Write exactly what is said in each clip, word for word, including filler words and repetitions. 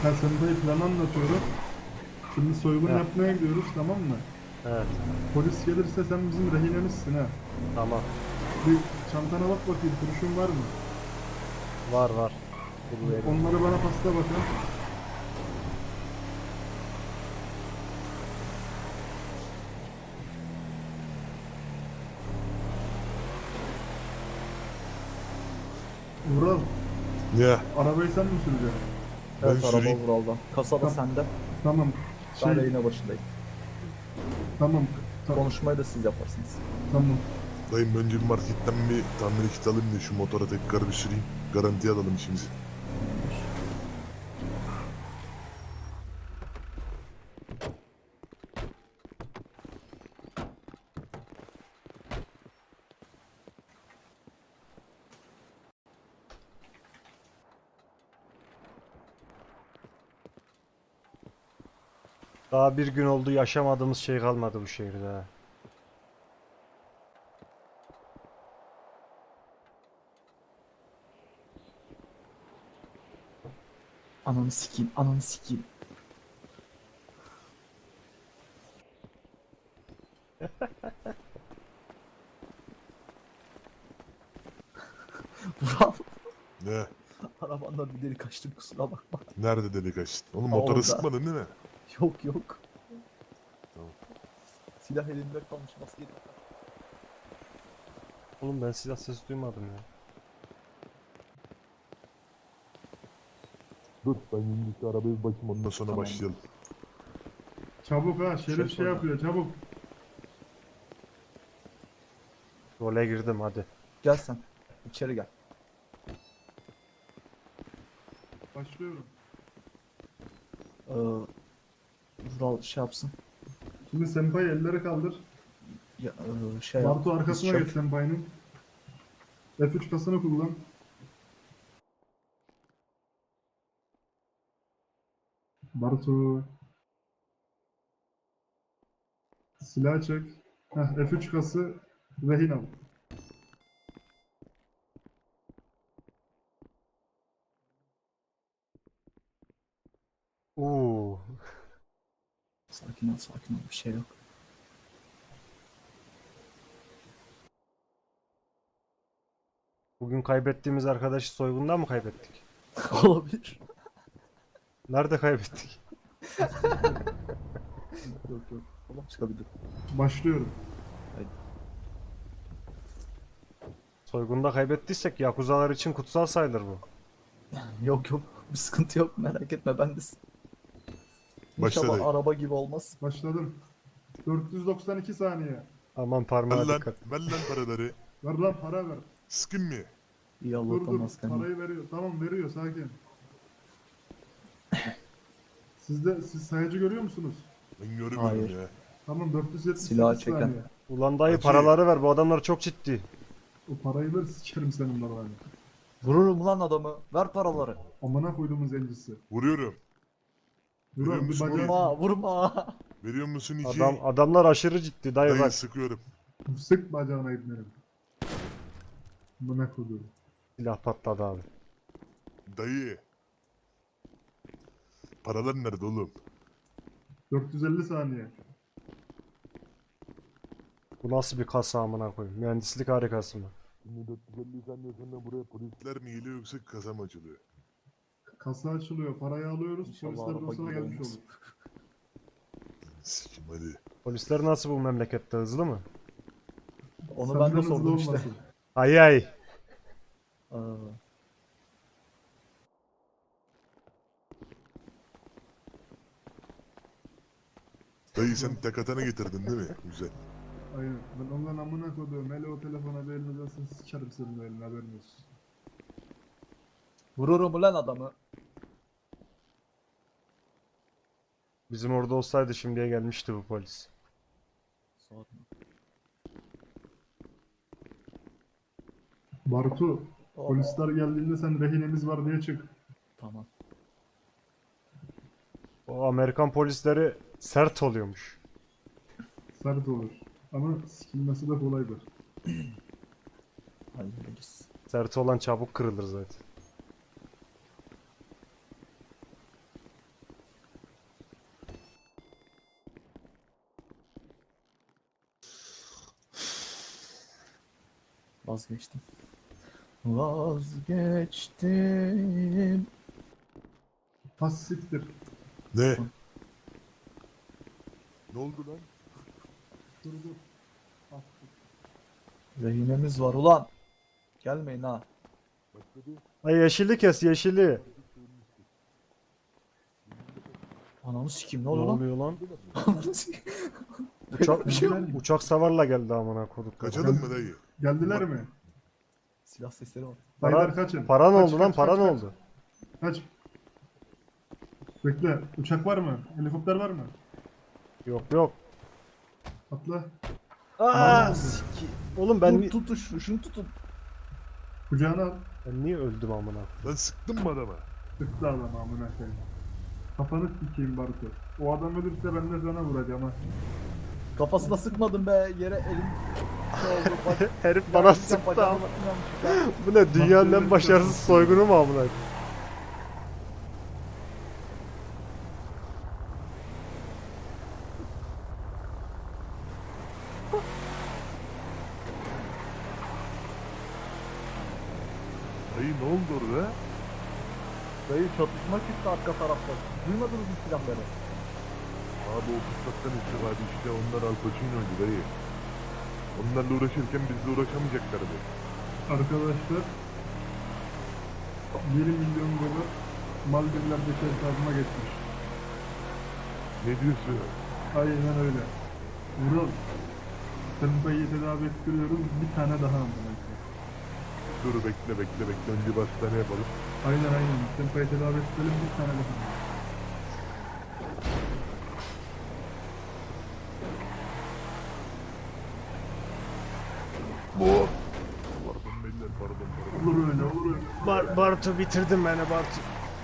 Ben Sempa'yı planı anlatıyorum. Şimdi soygun Heh. yapmaya gidiyoruz, tamam mı? Evet. Polis gelirse sen bizim rehinemizsin ha. Tamam. Bir çantana bak bakayım, kurşun var mı? Var var. Bul vereyim. Onları bana pasla bakın. Vural, Ya arabayı sen mi süreceksin? ben Evet araba süreyim. Vural'dan. Kasada Tamam. sende. Tamam. Ben Şey, yayına başındayım. tamam. Ta- Konuşmayı da siz yaparsınız. tamam. Dayım önce bir marketten bir tamir kit alayım da şu motora tekrar bir süreyim. Garantiye alalım işimizi. Daha bir gün oldu, yaşamadığımız şey kalmadı bu şehirde ha. Ananı sikeyim, ananı sikeyim. Vural, Ne? arabandan bir deli kaçtım kusura bakma. Nerede delik açtın? Oğlum Orada. motora sıkmadın değil mi? Yok yok. Tamam. Silah elimde kalmış maskeyi. Oğlum ben silah sesi duymadım ya. Dur ben şimdi şu arabayı bir bakayım ondan sonra Tamam. başlayalım. Çabuk ha, Şerif Şey şey sorma. yapıyor, çabuk. Role girdim hadi. Gel sen. İçeri gel. Başlıyorum. Ee, Vural şey yapsın. Şimdi Sempa'yı ellere kaldır. Ya, e, şey yap. Bartu arkasına Biz geç Sempa'nın. F üç kasını kullan. Bartu. Silah çek. Heh, F üç kası rehin al. Uuu. Sakin ol, sakin ol. Bir şey yok. Bugün kaybettiğimiz arkadaşı soygundan mı kaybettik? Olabilir. Nerede kaybettik? Yok yok. Oğlum çıkabilir. Başlıyorum. Soygunda kaybettiysek Yakuzalar için kutsal sayılır bu. Yok yok. Bir sıkıntı yok. Merak etme ben de. Başla İnşallah dayı. araba gibi olmaz. Başladım. dört yüz doksan iki saniye. Aman Ver parmağa lan, dikkat. ver lan paraları. Ver lan, para ver. Sıkın mı? İyi Dur Allah'tan dur, masken. parayı veriyor. Tamam, veriyor, sakin. Siz de, siz sayacı görüyor musunuz? Ben görmüyorum Hayır. ya. Tamam, dört yüz yetmiş sekiz Silahı çeken. saniye. Ulan dayı Hacı. paraları ver, bu adamlar çok ciddi. O parayı ver, sikerim senin babanı. Vururum lan adamı. Ver paraları. Amına koyduğumuz zencisi. Vuruyorum. Vural Veriyor bir musun bacağı... Vurma vurma. Veriyor musun iki? Adam adamlar aşırı ciddi dayı Dayı bak. sıkıyorum. Sık bacağına ibnerim. Amına koyduğum. Silah patladı abi. Dayı. Paralar nerede oğlum? dört yüz elli saniye. Bu nasıl bir kasa amına koyayım? Mühendislik harikası mı? Şimdi dört yüz elli saniye sonra buraya polisler mi geliyor yoksa kasa mı açılıyor? Kasa açılıyor, parayı alıyoruz, İnşallah polisler de araba o sırada gibi gelmiş olmaz. olur. Sikim hadi. Polisler nasıl bu memlekette, hızlı mı? Onu Senden ben de hızlı sordum işte. olmasın. Ay ay. Aa, Dayı sen tek atana getirdin değil mi? Güzel. Aynen. Ben ondan amına koyduğum. Hele o telefona bir elini uzasın, sikerim senin o eline, haberin olsun. vururum lan adamı. Bizim orada olsaydı şimdiye gelmişti bu polis. Sorma. Bartu, Oh, polisler geldiğinde sen rehinemiz var diye çık. tamam. O Amerikan polisleri sert oluyormuş. Sert olur. Ama sikilmesi de kolaydır. Hallederiz. Sert olan çabuk kırılır zaten. Vazgeçtim. Vazgeçtim. Has siktir. Ne? Ne oldu lan? Dur dur. Ah, Rehinemiz var ulan. Gelmeyin ha. Ay yeşili kes yeşili. Ananı sikeyim ne Ne oluyor lan? oluyor lan? Ananı sikeyim. Uçak, bir şey yok. uçak savarla geldi amına koduk. Kaçalım mı dayı? Geldiler mi? Silah sesleri var. Dayılar Para, kaçın. para ne Kaç, oldu lan? kaç, Para kaç, ne kaç. oldu? Kaç. Bekle. Uçak var mı? Helikopter var mı? Yok yok. Atla. Aa! Aa! Sikeyim. Oğlum ben, Dur ni- tutun şunu, şunu tutun. Kucağına al. ben niye öldüm amına? Lan sıktın mı adama? Sıktı adam amına koyayım. Kafanı sikeyim Bartu. O adam ölürse ben de sana vuracağım ha. Kafasına sıkmadım be yere elim şey oldu. Bak, Herif ya, bana bir sıktı bacağım ama. yanlışlıkla. Bu ne dünyanın Bak, en başarısız soygunu mu amına? Dayı ne oldu orada? Dayı çatışma çıktı arka tarafta. Duymadınız mı silahları? Abi o fırsattan istifade işte onlar Al Pacino'ydu dayı. Onlarla uğraşırken bizle uğraşamayacaklardı. Arkadaşlar bir milyon dolar Maldivler'deki hesabıma geçmiş. Ne diyorsun? Aynen öyle. Vural. Sempa'yı tedavi ettiriyoruz. Bir tane daha amına koyayım. Dur bekle bekle bekle önce bir hastane yapalım. Aynen aynen. Sempa'yı tedavi ettirelim bir tane daha. Bu. Pardon beyler pardon pardon. Olur öyle olur öyle. Bar Bartu bitirdin beni Bartu.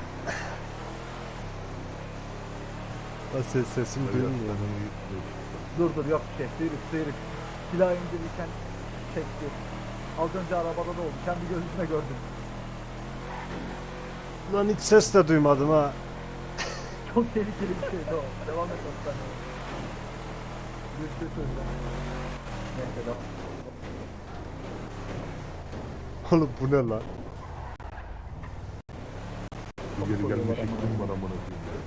Lan ses sesim Dayı duyulmuyor. hastaneye gitmiyor. Dur dur yok bir şey. Sıyrık sıyrık. Silah indirirken çekti. Az önce arabada da oldu. Kendi gözümle gördüm. Lan hiç ses de duymadım ha. Çok tehlikeli bir şeydi o. Devam et hastaneye. Bir şey söyleyeceğim. Neyse devam. Oğlum bu ne lan? Bu geri gelme şeklim var amına koyayım ya.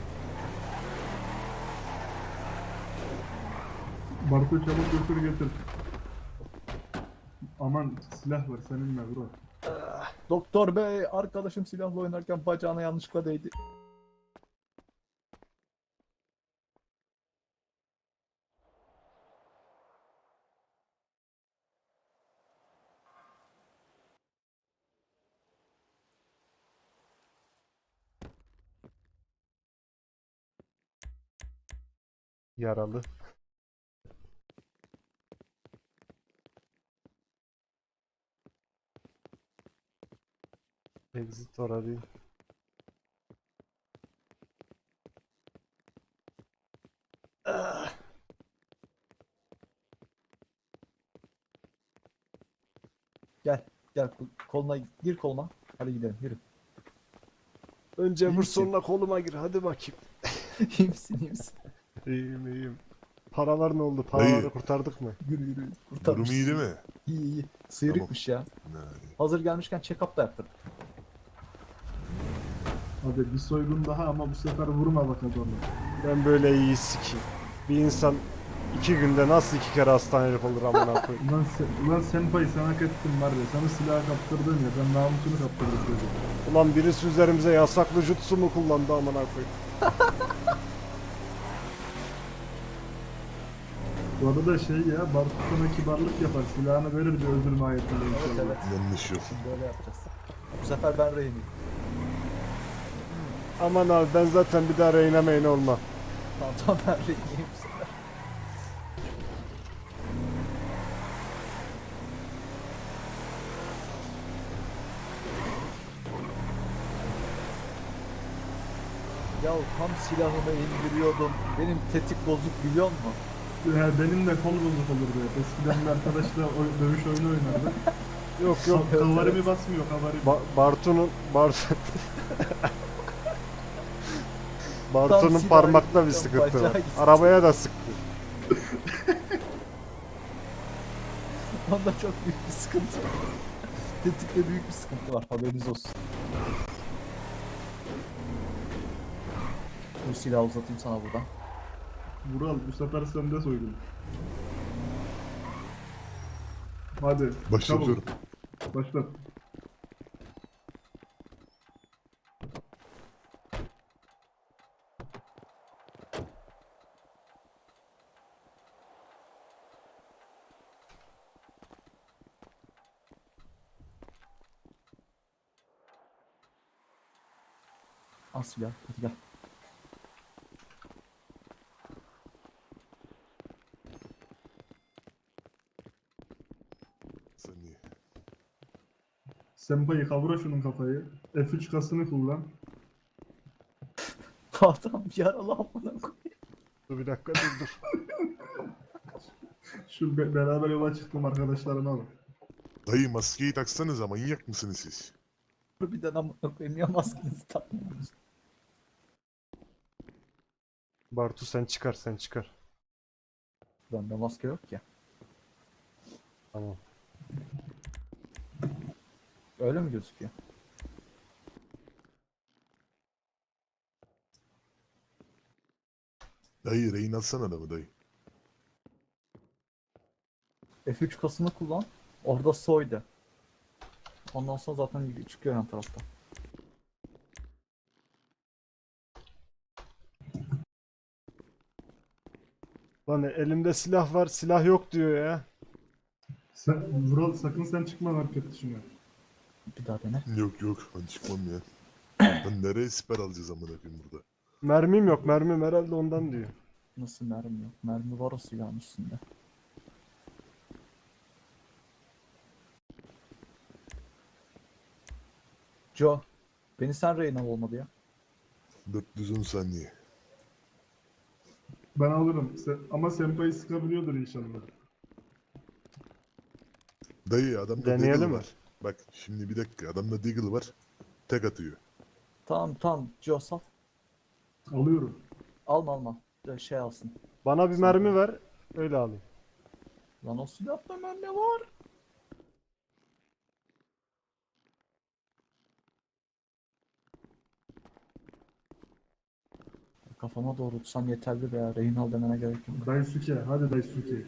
Bartu çabuk götür getir. Aman silah var seninle bro. Doktor bey arkadaşım silahla oynarken bacağına yanlışlıkla değdi. Yaralı. Exit orada değil. Ah. Gel gel kol- koluna gir koluma. Hadi gidelim yürü. Önce İyi vur misin? sonra koluma gir hadi bakayım. iyi misin iyi misin? İyiyim iyiyim. Paralar ne oldu? Paraları Dayı. kurtardık mı? Yürü yürü. Durum Kurtarmışsın. iyi değil mi? İyi iyi. Sıyrıkmış ya. Ne? Hazır gelmişken check-up da yaptırdık. Hadi bir soygun daha ama bu sefer vurma bak adamı. Ben böyle iyi sikeyim. Bir insan iki günde nasıl iki kere hastanelik olur amına koyayım. Ulan, sen, ulan Senpai sen hak ettin var ya. Sana silahı kaptırdın ya. Ben namusunu kaptırdım çocuğum. Ulan birisi üzerimize yasaklı jutsu mu kullandı amına koyayım. Bu arada şey ya, Bartu sana kibarlık yapar. Silahını verir bir öldürme ayetinde Evet inşallah. evet. Yanlış yok. Şimdi öyle yapacağız. Bu sefer ben rehiniyim. Aman abi ben zaten bir daha reyne meyne olmam. Tamam tamam ben rehiniyim bu sefer. Ya tam silahımı indiriyordum. Benim tetik bozuk biliyor musun? Ya benim de kol bozuk olurdu hep. Eskiden bir arkadaşla oy- dövüş oyunu oynardık. Yok yok. Ka- Kavari mi basmıyor kavari mi? Ba- Bartu'nun Bartu Bartu'nun silahı parmakta bir gitti, sıkıntı var. bacağı gitti. Arabaya da sıktı. Onda çok büyük bir sıkıntı var. Tetikte büyük bir sıkıntı var, haberiniz olsun. Bu silahı uzatayım sana buradan. Vural bu sefer sende soydum. Hadi. Başlatıyorum. çabuk. Başlat. Al silahı, hadi gel. Saniye. Senpai kavra şunun kafayı. F üç kasını kullan. Bu adam yaralı amına koyayım. Dur bir dakika dur dur. Şu be- beraber yola çıktım arkadaşlarını alın. Dayı maskeyi taksanıza, manyak mısınız siz? Harbiden amına koyayım, ya maskenizi takmıyorsunuz. Bartu sen çıkar sen çıkar. Bende maske yok ya. Tamam. Öyle mi gözüküyor? Dayı rehin alsana adamı dayı. F üç kasını kullan. Orada soydu. Ondan sonra zaten çıkıyor yan tarafta. Lan elimde silah var silah yok diyor ya. Sen, Vural sakın sen çıkma market dışına. Bir daha dene. Yok yok, ben çıkmam ya. Ben nereye siper alacağız amına koyayım burada? Mermim yok mermim herhalde ondan diyor. Nasıl mermi yok? Mermi var o silahın üstünde. Joe, beni sen rehin al olmadı ya. dört yüz on saniye. Ben alırım. Sen, ama Senpai sıkabiliyordur inşallah. Dayı adamda Deneyelim Deagle mi? var. Bak şimdi bir dakika, adamda Deagle var. Tek atıyor. Tamam tamam, Joe sal. Alıyorum. Alma alma. Bir Şey alsın. Bana bir Sen mermi de. ver öyle alayım. Lan o silahta mermi var. Kafama doğrultsan yeterli be ya. Rehin al demene gerek yok. Daisuke. Hadi Daisuke.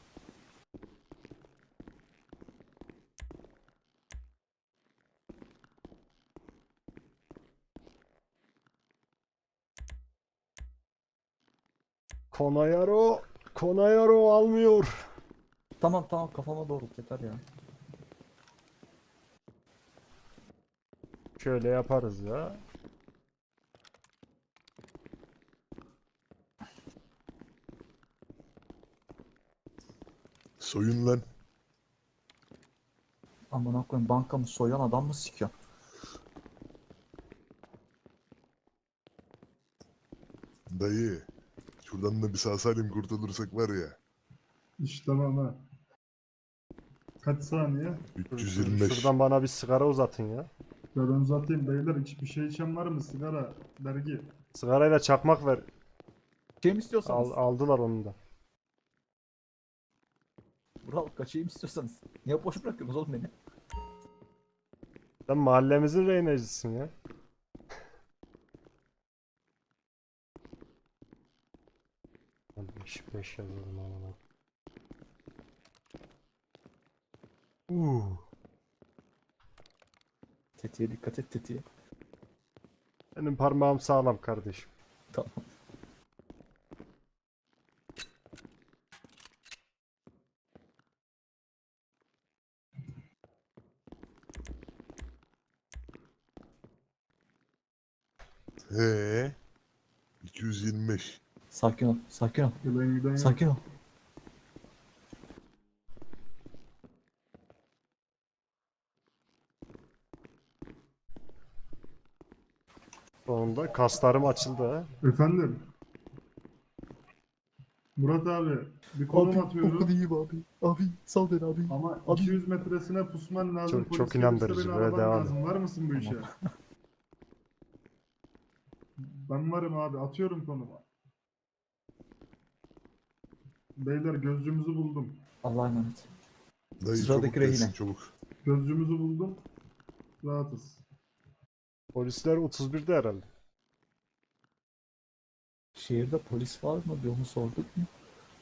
Konayaro Konayaro almıyor. Tamam tamam, kafama doğrult yeter ya. Şöyle yaparız ya. Soyun lan. Amına koyayım, bankamı soyan adam mı sikiyor? Dayı. Şuradan da bir sağ salim kurtulursak var ya. İşte tamam ha. Kaç saniye? üç yüz yirmi beş. Şuradan bana bir sigara uzatın ya. Ya ben uzatayım beyler. Hiçbir şey içen var mı? Sigara, dergi. Sigarayla çakmak ver. Şey mi istiyorsanız? Al, aldılar onu da. Vural, kaçayım istiyorsanız. Niye boş bırakıyorsunuz oğlum beni? Sen mahallemizin rehinecisin ya. beş beş yazıyorum amına. Uh. Tetiğe dikkat et, tetiğe. Benim parmağım sağlam kardeşim. Tamam. He. iki yüz yirmi beş. Sakin ol, sakin ol. Giden giden yok. Sakin ol. Sonunda kaslarım açıldı ha. Efendim. Murat abi. Bir konum atıyorum. iyiyim abi. Abi sal beni abi. Ama Abi. iki yüz metresine pusman lazım. Çok- Polis çok gelirse inandırıcı, beni böyle araman devam lazım. Var mısın bu işe? Tamam. Ben varım abi. Atıyorum konumu. Beyler gözcümüzü buldum. Allah'a emanet. Dayı Sıradaki çabuk gelsin rehine. çabuk. Gözcümüzü buldum. Rahatız. Polisler otuz birde herhalde. Şehirde polis var mı? Bir onu sorduk mu?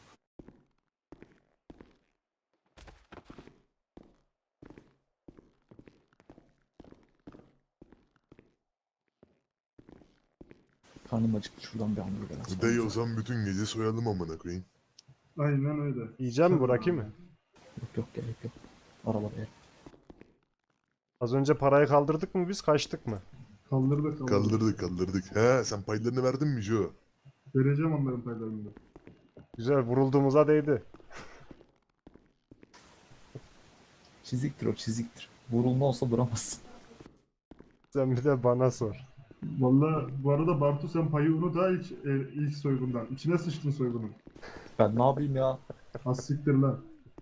Karnım acıktı. Şuradan bir hamburger alsam. Dayı o zaman bütün gece soyalım amına koyayım. Aynen öyle. Yiyeceğim mi, Sen- bırakayım mı? Yok yok gerek yok. Arabaya. Az önce parayı kaldırdık mı biz, kaçtık mı? Kaldırdık kaldırdık. Kaldırdık kaldırdık. He sen paylarını verdin mi Jo? Vereceğim onların paylarını da. Güzel, vurulduğumuza değdi. Çiziktir o çiziktir. Vurulma olsa duramazsın. Sen bir de bana sor. Valla bu arada Bartu sen payı unut ha ilk, e, ilk soygundan. İçine sıçtın soygunun. Ben ne yapayım ya? Az siktir lan.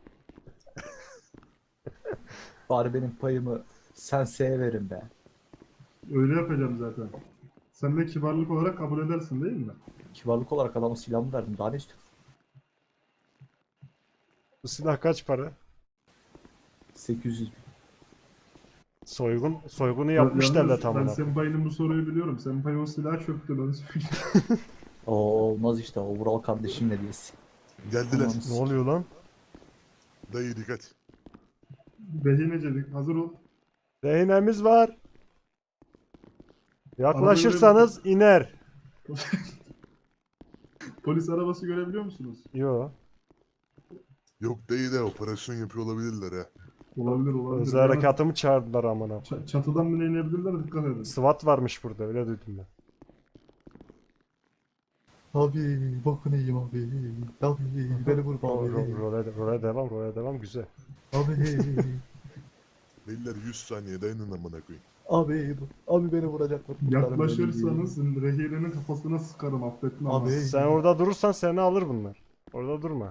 Bari benim payımı Sensei'ye verin be. Öyle yapacağım zaten. Sen de kibarlık olarak kabul edersin değil mi? Kibarlık olarak adama silahımı verdim. Daha ne istiyorsun? Bu silah kaç para? sekiz yüz bin. Soygun, soygunu yapmış Yalnız devlet ben amına. Senpai'nin bu soruyu biliyorum. Senpai o silahı çöktü ben söyleyeyim. Oo, olmaz işte o Vural kardeşim hediyesi. Geldiler. Aman Ne oluyor lan? Dayı dikkat. Rehinecelik hazır ol. Rehinemiz var. Yaklaşırsanız iner. Polis arabası görebiliyor musunuz? Yo. Yok dayı da operasyon yapıyor olabilirler ha. Olabilir olabilir. Özel Yani harekatımı çağırdılar amına. ç- çatıdan bile inebilirler dikkat edin. SWAT varmış burada, öyle duydum ben. Abi bakın iyiyim abi. Abi beni vurma Ro- abi. ro- Role, role devam, role devam, güzel. Abi. Beyler yüz saniye dayanın amına koyayım. Abi. Abi beni vuracaklar. Kurtarın Yaklaşırsanız rehinenin kafasına sıkarım affetme ama. Abi. Sen orada durursan seni alır bunlar. Orada durma.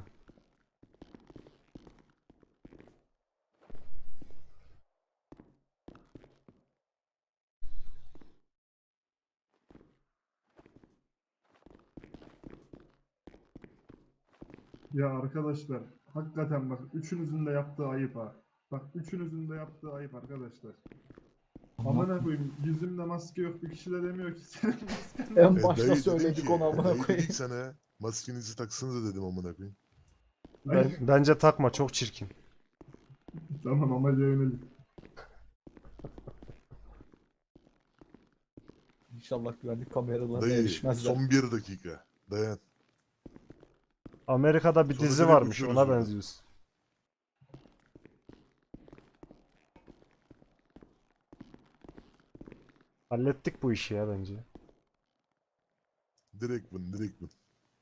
Ya arkadaşlar hakikaten bak üçünüzün de yaptığı ayıp ha. Bak üçünüzün de yaptığı ayıp arkadaşlar. Amına koyayım yüzümde maske yok bir kişi de demiyor ki senin masken. En E, başta dayı söyledik dedim ki, onu amına dayı koyayım. dedik sana maskenizi taksanıza dedim amına koyayım. Ben, bence takma, çok çirkin. Tamam amaca yönelik. İnşallah güvenlik kameralarına Dayı erişmezler. son bir dakika. Dayan. Amerika'da bir Sonra dizi direkt varmış, uçuyoruz ona oradan. benziyorsun. Hallettik bu işi ya bence. Direkt bun direkt bun.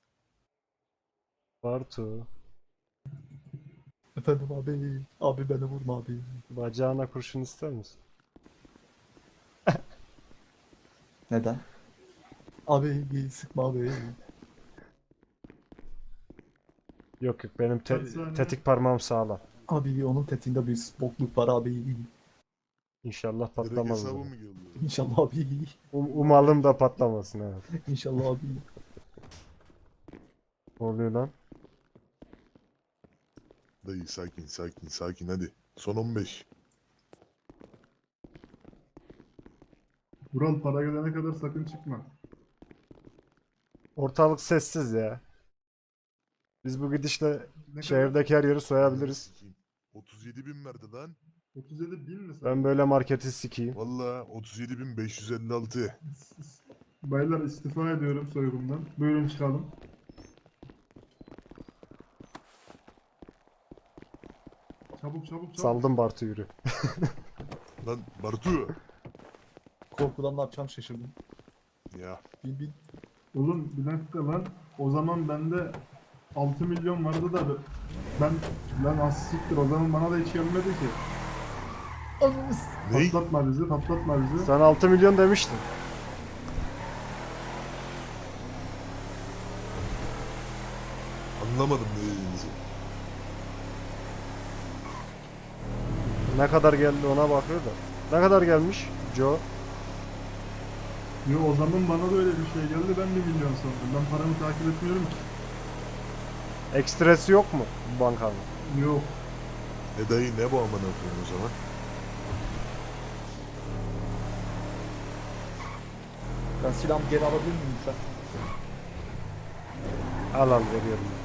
Bartu, Efendim abi. Abi beni vurma abi. bacağına kurşun ister misin? Neden? Abi sıkma abi. Yok yok, benim te- Kaç saniye? tetik parmağım sağlam. Abi onun tetiğinde bir bokluk var abi. İnşallah Direkt patlamaz. hesabı bu. mı geliyor? İnşallah abi. Um- umalım da patlamasın, evet. İnşallah abi. Ne oluyor lan? Dayı sakin sakin sakin hadi. Son on beş. Vural para gelene kadar sakın çıkma. Ortalık sessiz ya. Biz bu gidişle Ne kadar? şehirdeki her yeri soyabiliriz. Sikeyim. otuz yedi bin verdi lan. otuz yedi bin mi sen? Ben böyle marketi sikeyim. Valla otuz yedi bin beş yüz elli altı. Baylar istifa ediyorum soygundan. Buyurun çıkalım. Çabuk çabuk çabuk. Saldım Bartu, yürü. Lan Bartu. Korkudan ne yapacağım şaşırdım. Ya Bin bin. Oğlum bir dakika lan. O zaman bende altı milyon vardı da ben lan az siktir o zaman bana da hiç gelmedi ki. Anamız. ne? Patlatma bizi patlatma bizi. Sen altı milyon demiştin. Anlamadım ne dediğinizi. Ne kadar geldi ona bakıyor da. Ne kadar gelmiş Joe? Yo o zaman bana da öyle bir şey geldi ben bir milyon sandım. Ben paramı takip etmiyorum ki. Ekstresi yok mu bu bankanın? Yok. E dayı ne bu amına koyayım o zaman? Ben silahımı geri alabilir miyim lütfen? Al al veriyorum.